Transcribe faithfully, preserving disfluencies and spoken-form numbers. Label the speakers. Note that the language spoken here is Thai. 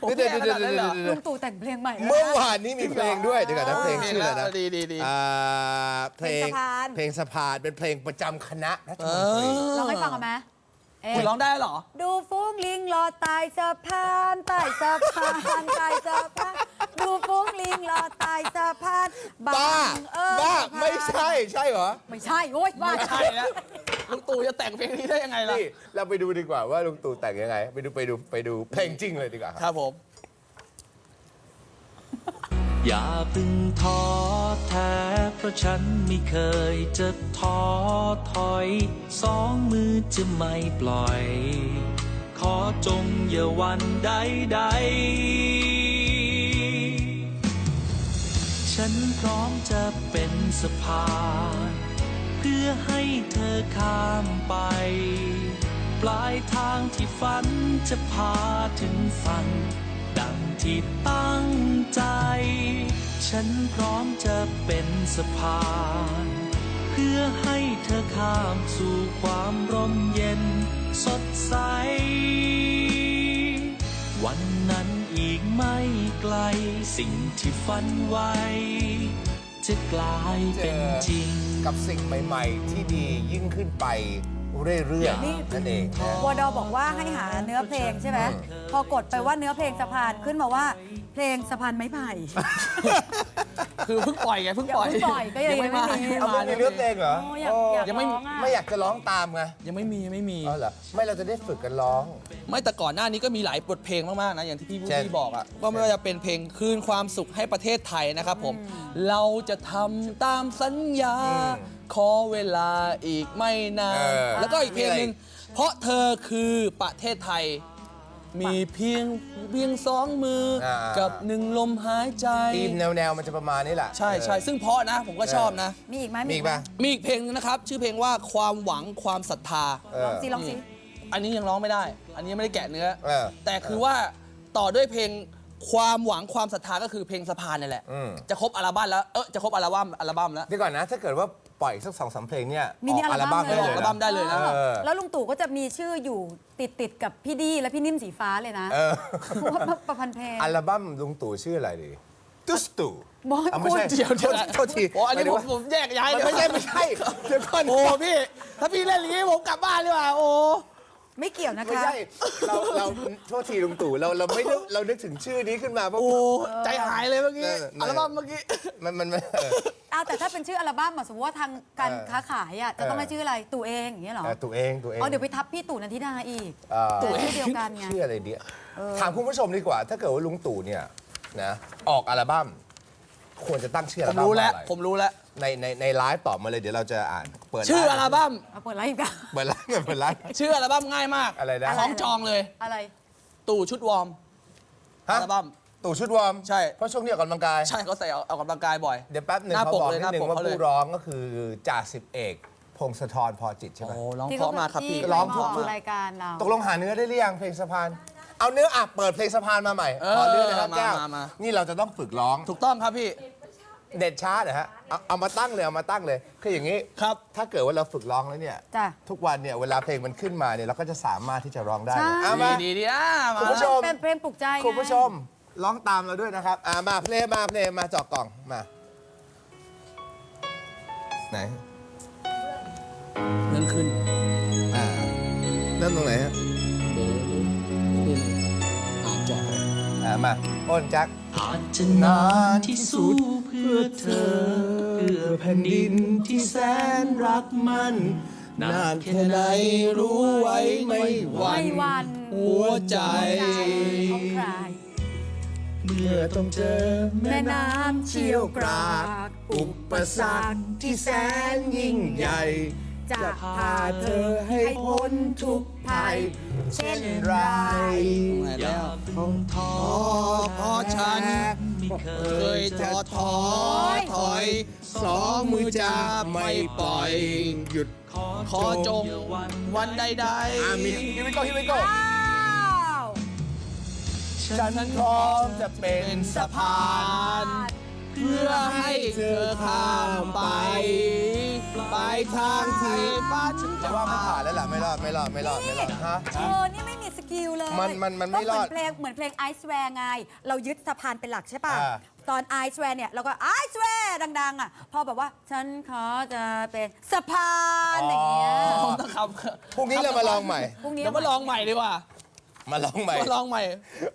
Speaker 1: เดี๋ยวเดี๋ยวเดี๋ยวเดี๋ยว
Speaker 2: ลุงตู่แต่งเพลงใหม่
Speaker 1: เมื่อวานนี้มีเพลงด้วยเดี๋ยวก่อนนะเพลงชื่ออะไรนะ
Speaker 3: ดีดีดี
Speaker 1: อ่าเพลงเพลงสะพานเป็นเพลงประจำคณะรัฐมนตรี
Speaker 2: ลองให้ฟังกันไหม
Speaker 3: คุณร้องได้เหรอ
Speaker 2: ดูฟุ้งลิงรอตายสะพานใต้สะพานใต้สะพานดูฟุ้งลิงรอตายสะพาน
Speaker 1: บ้าบ้าไม่ใช่ใช่เหรอ
Speaker 2: ไม่ใช่โอ๊ยบ้า
Speaker 3: ไม่ใช่แล้วลุงตู่จะแต่งเพลงนี้ได้ยังไงล่ะ
Speaker 1: นี่เราไปดูดีกว่าว่าลุงตู่แต่งยังไงไปดูไปดูไปดูเพลงจริงเลยดีกว่า
Speaker 3: ครับผม
Speaker 4: อย่าเพึ่งท้อแท้เพราะฉันไม่เคยจะท้อถอยสองมือจะไม่ปล่อย ขอจงอย่าหวันใดใดฉันพร้อมจะเป็นสะพานเพื่อให้เธอข้ามไป ปลายทางที่ฝันจะพาถึงฝันดังที่ตั้งใจฉันพร้อมจะเป็นสะพานเพื่อให้เธอข้ามสู่ความร่มเย็นสดใสวันนั้นอีกไม่ไกลสิ่งที่ฝันไว้จะกลายเป็นจริง
Speaker 1: กับสิ่งใหม่ๆที่ดียิ่งขึ้นไปเรื่อยๆนั่นเองนะ
Speaker 2: วดอบอกว่าให้หาเนื้อเพลงใช่ไหมพอกดไปว่าเนื้อเพลงสะพานขึ้นมาว่าเพลงสะพานไม้ไผ่
Speaker 3: คือเพิ่งปล่อยไงเพิ่งปล่อย
Speaker 2: เพิ่งปล่อยก็ยังไม่มี
Speaker 1: เอาไม่มีเนื้อเพลงเหรอ
Speaker 2: โอ้อยากอยาก
Speaker 3: ยังไม่
Speaker 2: ร้องอ่ะ
Speaker 1: ไม่อยากจะร้องตามไง
Speaker 3: ยังไม่มียังไม่มี
Speaker 1: อ๋อเหรอไม่เราจะได้ฝึกกันร้อง
Speaker 3: ไม่แต่ก่อนหน้านี้ก็มีหลายบทเพลงมากๆนะอย่างที่พี่
Speaker 1: เช่น
Speaker 3: พี่บอกอะว่าไม่ว่าจะเป็นเพลงคืนความสุขให้ประเทศไทยนะครับผมเราจะทำตามสัญญา ขอเวลาอีกไม่นาน
Speaker 1: เออ
Speaker 3: แล้วก็อีกเพลงหนึ่งเพราะเธอคือประเทศไทย มีเพียงเพียงสองมืออา กับหนึ่งลมหายใจ
Speaker 1: ทีมแนวๆมันจะประมาณนี้แหละ
Speaker 3: ใช่ใช่ซึ่งเพราะนะผมก็ชอบนะ
Speaker 2: มีอีกไหม
Speaker 1: มีอีกปะ
Speaker 3: มีอีกเพลงนึงนะครับ ชื่อเพลงว่าความหวังความศรัทธา
Speaker 1: เอ
Speaker 2: ล
Speaker 1: อ
Speaker 2: องสิลองสิ
Speaker 3: อันนี้ยังร้องไม่ได้ อันนี้ยังไม่ได้แกะเนื้อ
Speaker 1: เออ
Speaker 3: แต่คือว่าต่อด้วยเพลงความหวังความศรัทธาก็คือเพลงสะพานนี่แหละ
Speaker 1: อืม
Speaker 3: จะครบอัลบั้มแล้ว เออจะครบอัลบั้มอัลบั้มแล้ว
Speaker 1: เดี๋ยวก่อนนะ ถ้าเกิดว่าปล่อยสักสองสามเพลงเนี่ย
Speaker 2: มินิ
Speaker 1: ออกอัลบั้ม
Speaker 2: อั
Speaker 1: ได้
Speaker 2: ล
Speaker 1: เล
Speaker 2: บั้
Speaker 1: ย
Speaker 3: อัลบั้ม
Speaker 1: นะ
Speaker 3: ได้เลยนะ
Speaker 1: เออ
Speaker 2: แล้วลุงตู่ก็จะมีชื่ออยู่ติดติดๆกับพี่ดีและพี่นิ่มสีฟ้าเลยนะ
Speaker 1: เออ
Speaker 2: เพราะว่าประพันธ์เพลง
Speaker 1: อัลบั้มลุงตู่ชื่ออะไรดีตุสตู่
Speaker 2: บอย
Speaker 1: อ่ะไม่ใช่
Speaker 3: เดี๋ยว
Speaker 1: โทษโทษที
Speaker 3: โอ้อันนี้
Speaker 1: หาย
Speaker 3: ผ
Speaker 1: ถึ
Speaker 3: ม
Speaker 1: งว่า
Speaker 3: ผมแยกย้าย
Speaker 1: มัน
Speaker 3: เลย
Speaker 1: ไม่ใช่ไม่ใช่เดี๋ยวก่อน
Speaker 3: โอ้พี่ ถ้าพี่เล่นอย่างนี้ผมกลับบ้านดีกว่าโอ้
Speaker 2: ไม่เกี่ยวนะ
Speaker 1: ไม่
Speaker 2: คะ
Speaker 1: ใช่เราเราโทษทีลุงตู่เราเราไม่นึกเรานึกถึงชื่อนี้ขึ้นมาเพราะ
Speaker 3: โอ้ใจหายเลยเมื่อกี้
Speaker 1: เออ
Speaker 3: อัลบั้มเมื่อกี้
Speaker 1: มันมันมันเออ
Speaker 2: อ้าวแต่ถ้าเป็นชื่ออัลบั้มอะสมมติว่าทางการ
Speaker 1: เออ
Speaker 2: ค้าขายอะจะต้อง
Speaker 1: เออ
Speaker 2: ให้ชื่ออะไรตู่เองอย่างเงี้ยเหรอ
Speaker 1: เออตู่เองตู่เอง
Speaker 2: อ๋อเดี๋ยวไปทับพี่ตู่นันทิดาอีก
Speaker 1: เอ่อ
Speaker 2: ตู่ชื่อเดียวกันไง
Speaker 1: ชื่ออะไรเดียถามคุณผู้ชมดีกว่า ถ้าเกิดว่าลุงตู่เนี่ยนะออกอัลบั้มควรจะตั้งชื่ออั
Speaker 3: ผ
Speaker 1: ล
Speaker 3: ม
Speaker 1: บั้ม
Speaker 3: รู้แล้ว
Speaker 1: ว่าอะไร
Speaker 3: ผมรู้แล้ว
Speaker 1: ในในในไลฟ์ตอบมาเลยเดี๋ยวเราจะอ่านเปิด
Speaker 3: ชื่ออัลบั้ม
Speaker 2: เอาเปิดไลฟ์อีกอะ
Speaker 1: เปิดไลฟ์เปิดไลฟ์
Speaker 3: ชื่ออัลบั้มง่ายมาก
Speaker 1: อะไรนะ
Speaker 3: คล้องจองเลย
Speaker 2: อะไร
Speaker 3: ตู่ชุดวอร์ม
Speaker 1: ฮะ
Speaker 3: อัลบั้ม
Speaker 1: ตู่ชุดวอร์ม
Speaker 3: ใช่
Speaker 1: เพราะช่วงนี้ออกกำลังกาย
Speaker 3: ใช่เขาใส่ออกกำลังกายบ่อย
Speaker 1: เดี๋ยวแป๊บหนึ่ง
Speaker 3: หน้า
Speaker 1: เขา
Speaker 3: ปก
Speaker 1: บอก
Speaker 3: เลย
Speaker 1: นิด
Speaker 3: หน้า
Speaker 1: นึง
Speaker 3: ปก
Speaker 1: ว่า
Speaker 3: เขาเลย
Speaker 1: ผู้ร้องก็คือจ่าสิบเอกพงศธรพอจิตใช่ไหม
Speaker 3: โอ้ร้อง
Speaker 2: ที่
Speaker 3: เพราะมากครับพี่
Speaker 2: ที่
Speaker 1: ร้อง
Speaker 2: บ
Speaker 1: เพราะ
Speaker 2: ก
Speaker 1: มาก
Speaker 2: รายการเรา
Speaker 1: ตกลงหาเนื้อได้หรือยังเพลงสะพาน เอาเนื้ออ่ะเปิดเพลงสะพานมาใหม่ขอเนื้อนะครับ
Speaker 3: มา
Speaker 1: แก้ว
Speaker 3: มามา
Speaker 1: นี่เราจะต้องฝึกร้อง
Speaker 3: ถูกต้องครับพี่
Speaker 1: เด็ดช้าเหรอฮะเอาเอามาตั้งเลยเอามาตั้งเลยคืออย่างนี้
Speaker 3: ครับ
Speaker 1: ถ้าเกิดว่าเราฝึกร้องแล้วเนี่ย
Speaker 2: จ้ะ
Speaker 1: ทุกวันเนี่ยเวลาเพลงมันขึ้นมาเนี่ยเราก็จะสามารถที่จะร้องได้
Speaker 2: ใช่
Speaker 1: เอามา
Speaker 3: ดีดีดีอ่ะมา
Speaker 1: คุณผู้ชม
Speaker 2: เป็นเพลงปลุกใจไง
Speaker 1: คุณผู้ชมร้องตามเราด้วยนะครับอ่ามาเพลงมาเพลงมาเจอกกล่องมาไหน
Speaker 3: เรื่องขึ้น
Speaker 1: อ่าเริ่มตรงไหนฮะ
Speaker 3: เดี๋ยวขึ้นอ่านจอ
Speaker 1: อ่ามาอ้นแจ็ค
Speaker 4: อาจจะนานที่สุดเพื่อเธอ เพื่อแผ่นดินที่แสนรักมันนานแค่ไหนรู้ไว้ไม่หวั
Speaker 2: ไม่
Speaker 4: น
Speaker 2: วัน
Speaker 3: หัวใจ
Speaker 2: ของใคร
Speaker 4: เมื่อต้องเจอ
Speaker 2: แม่น้ำเชี่ยวกราก
Speaker 1: อุปสรรคที่แสนยิ่งใหญ่
Speaker 2: จะพาเธ
Speaker 1: เธ
Speaker 2: อ
Speaker 1: อให้พ้นทุกภัย
Speaker 2: เช่น
Speaker 1: ไร
Speaker 3: ไหน
Speaker 4: อ
Speaker 3: แล้
Speaker 4: ย่าว เพิ่งท้อ
Speaker 3: เพราะฉัน
Speaker 4: ไม่เค
Speaker 3: เค
Speaker 4: ย
Speaker 3: ยท้อท้อถอยสองมือจะไม่ปล่อย
Speaker 1: หยุด
Speaker 4: ขอ
Speaker 3: ขอจงวันใด
Speaker 1: อามีฮิวิโก้ฮิวิโก้
Speaker 2: อ้าว
Speaker 1: ฉันพร้อมจะเป็น
Speaker 3: ๆสะพานเพื่อให้เธอข้ามไป ไปทางที่ฟ้าฉัน
Speaker 1: จะ
Speaker 3: จะ
Speaker 1: ว่าไม่
Speaker 3: พา
Speaker 1: ผ่านแล้วล่ะไม่รอดไม่รอดไม่รอดไม่รอดฮะ
Speaker 2: เธอนี่ไม่มีสกิลเลย
Speaker 1: มันมันมันไม่รอด
Speaker 2: ก็เหมือนเพลงเหมือนเพลงไอซ์แวร์ไง เรายึดสะพานเป็นหลักใช่ป่ะ
Speaker 1: อ่า
Speaker 2: ตอนไอซ์แวร์เนี่ยเราก็ไอซ์แวร์ดัง ๆ อ่ะ พอแบบว่า ฉันขอจะเป็นสะพานอย่างเงี้ย
Speaker 3: ต้องครับ
Speaker 1: พรุ่งนี้เรามาลองใหม่
Speaker 2: พรุ่งนี้
Speaker 3: เดี๋ยวมาลองใหม่ดีกว่า
Speaker 1: มาลองใหม่
Speaker 3: มาลองใหม่